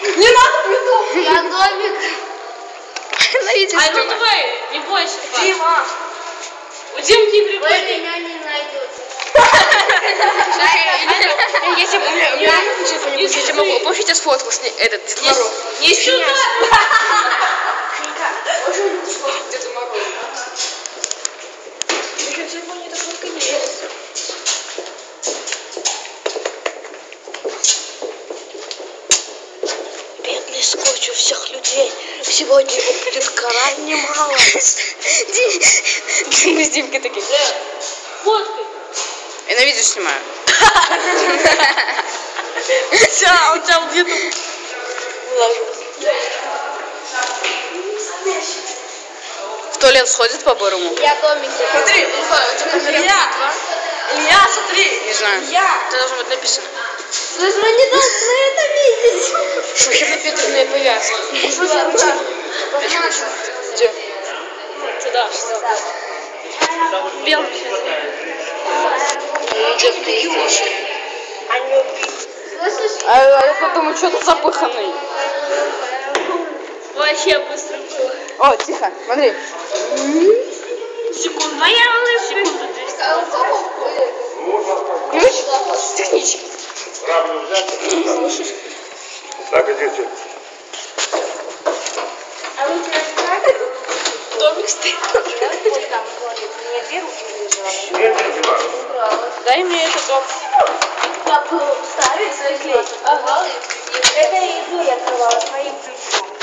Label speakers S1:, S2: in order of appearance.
S1: Не надо цветов.
S2: Я домик.
S3: Ай, ну давай, не бойся.
S1: Дима.
S3: У Димки
S2: Вы
S3: прикольный.
S2: меня не найдете.
S1: Если бы у меня если бы могу, помните, сфоткал с ней этот Дед Мороз.
S3: Не сюда.
S1: Дед Мороз. Еще в телефоне эта фотка есть. Бедный скотч у всех людей. Сегодня его будет крайне мало. Мы с Димкой такие.
S3: Фоткай.
S1: Я на видео снимаю. Все, у тебя где-то в туалет сходит по-борому?
S2: Я домик.
S1: Смотри, Илья, смотри. Не знаю. Это должно быть написано.
S2: Вы же не должны это видеть.
S1: Шухерно-Петровная повязка. Где?
S3: Сюда. Белый.
S2: Слышишь?
S1: А я подумаю, что-то запыханный.
S3: Вообще быстро было.
S1: О, тихо, смотри.
S3: Секунду. Моя секунду.
S1: Ключ? Технически.
S4: Слышишь? Так, идите.
S2: А вы тебя знаете?
S1: Домик стоит.
S2: Вот там ходит. Мне две руки лежала.
S4: Нет, не дела.
S1: Дай мне этот дом.
S2: Как ставить свой клей? Ага. Это иду я открывала своим ключом.